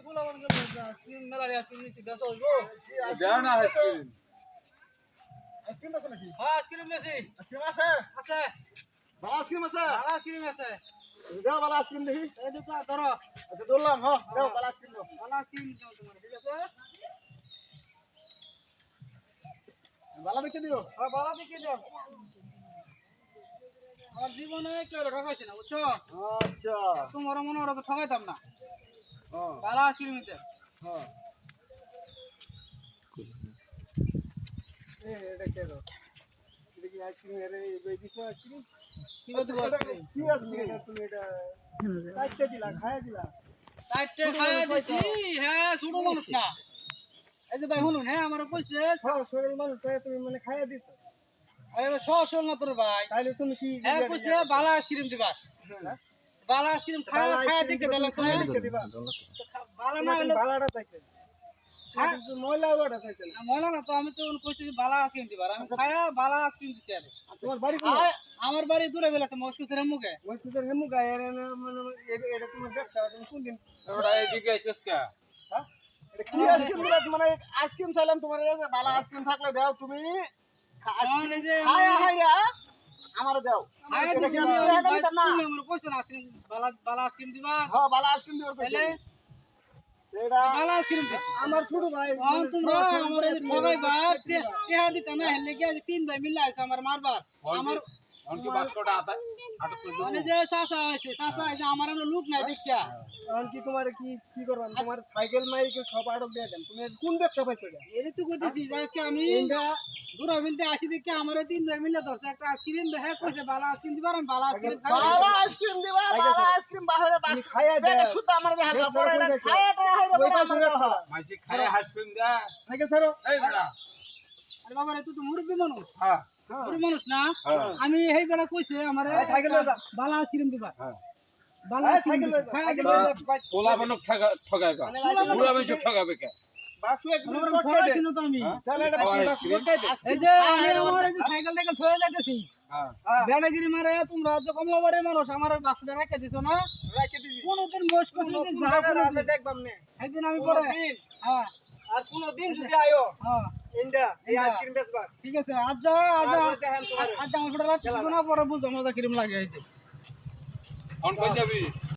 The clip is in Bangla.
ফুলা বন্ধ করে আইসক্রিম মেলা আইসক্রিম নিছি দাও হইবো দেও না আইসক্রিম আইসক্রিম আছে নাকি? হ্যাঁ আইসক্রিম নিছি আইসক্রিম আছে? আছে ভালো আইসক্রিম আছে? ভালো আইসক্রিম আছে দাও ভালো আইসক্রিম দেখি। এই দুটো ধরো আচ্ছা ধরলাম, হ্যাঁ দাও ভালো আইসক্রিম দাও। ভালো আইসক্রিম দাও তোমার ঠিক আছে ভালো দেখে দিও। হ্যাঁ ভালো দেখে দাও আমার জীবনে কেউ ঠকাইছে না বুঝছো আচ্ছা তোমার মনে ওরা তো ঠকাইতাম না হ্যাঁ ভালো আইসক্রিম নিতে হ্যাঁ এটা কে দাও? এটা কি আইসক্রিম এর এই দিছো আইসক্রিম? কি বলছো আইসক্রিম কি আইসক্রিম এটা তুমি এটা কাটতে দিলা খায়া দিলা? চারটে খাইয়া দিছি হ্যাঁ ছোট মানুষ না এই যে ভাই শুনুন হ্যাঁ আমার কইছে হ্যাঁ শরীর মানুষ তাই তুমি মানে খায়া দিছো। আরে সহসল না তোর ভাই তাইলে তুমি কি হ্যাঁ কইছে ভালো আইসক্রিম দিবা ভালো আইসক্রিম খায়া খায়া দেখে দিলা তো দেখে দিবা? ভালো না হলে ভালোটা চাইছে। হ্যাঁ ময়লা ওটা চাইছে না। মনে না তো আমি তো কইছি ভালো আইসক্রিম দিবা আমি খায়া ভালো আইসক্রিম দিছি আরে তোমার বাড়ি কোথায়? আমার বাড়ি দূরে বেলাছে মস্কুসের মুখে মসজিদের হেমু গায়ে মানে এটা তোমার ব্যবসা তুমি কোন দিন? ওটা এইদিকে আইছস কা হ্যাঁ এটা কি আইসক্রিম দিলা? মানে আইসক্রিম চাইলাম তোমার এই যে ভালো আইসক্রিম থাকলে দাও তুমি। আমার এই যে হায় হায় রে আমারে দাও। খায়া এটা দিছি কি আমি টাকা দিতাম না? তুমি আমার কইছো না আইসক্রিম ভালো আইসক্রিম দিবা হ্যাঁ ভালো আইসক্রিম দিবার তাহলে কইছে। এটা ভালো আইসক্রিম দিছি আমার ছোট ভাই তোমরা আমার এই ঠগাইবা টিহা দিতা না হেলে কি আজ তিন ভাই মিলে আইছে আমার মারবার আমার অনকি বাক্সটা আটা আটক করে মানে যে চাচা আইছে আমার আর লোক নাই দেখিয়া এখন কি তোমার কি কি করবা? তোমার সাইকেল মাইকেল সব আটক দিয়ে দেন। তুমি কোন ব্যবসা পাইছো এটা? এর তো কইতেছি যে আজকে আমি এটা দূরা মিলতে আসি দেখি আমার তিন ভাই মিলে ধরছে একটা আইসক্রিম হ্যাঁ কইছে ভালো আইসক্রিম দিবার আমি ভালো আইসক্রিম ভালো আইসক্রিম দিবা, ভালো আইসক্রিম বাহিরে বাস খাইয়া দেয়। শুদ্ধ আমার দেহ হালকা পড়ে না খায়াটা হাইরে পড়ে আমার দেহ। মাইছি খায় আইসক্রিম দা সাইকেল ছাড়ো। এই বেটা আরে বাবা রে তুই তো মুরব্বি মানুষ হ্যাঁ মুরব্বি মানুষ না হ্যাঁ। আমি এই বেলা কইছে আমারে সাইকেল লয়ে যা। ভালো আইসক্রিম দিবা হ্যাঁ ভালো সাইকেল লয়ে যা। সাইকেল লয়ে যা। পোলা বানক ঠগাইবা পুরা আমি ঠগাবে কে বাসু একটু আমার শর্ট করে দে। পড়াশোনা তো আমি চল এটা খাওয়া বাসু আইসক্রিম। শর্ট করে দে। এই যে আমি আমার এই যে সাইকেল টাইকেল থয়ে যাইতেছি হ্যাঁ বেড়াগিরি মারে তোমরা তো কমলাবাড়ির মানুষ আমার বাসুটা রেখে দিছো না রাখে দিছি। কোনদিন বয়স করছি যে কোন যা জায়গায় আছে কোনদিন দেখবাম নে। একদিন আমি পরে দিন হ্যাঁ আর কোন দিন যদি আয়ো হ্যাঁ ইন্দা এই আইসক্রিম বেচবার। ঠিক আছে আজ যা আজ তারপরে দেখেন তোমার আজ আমার ফটো রাখছি না পরে বুঝো মজা কিরম লাগে হয়েছে অন কই যাবি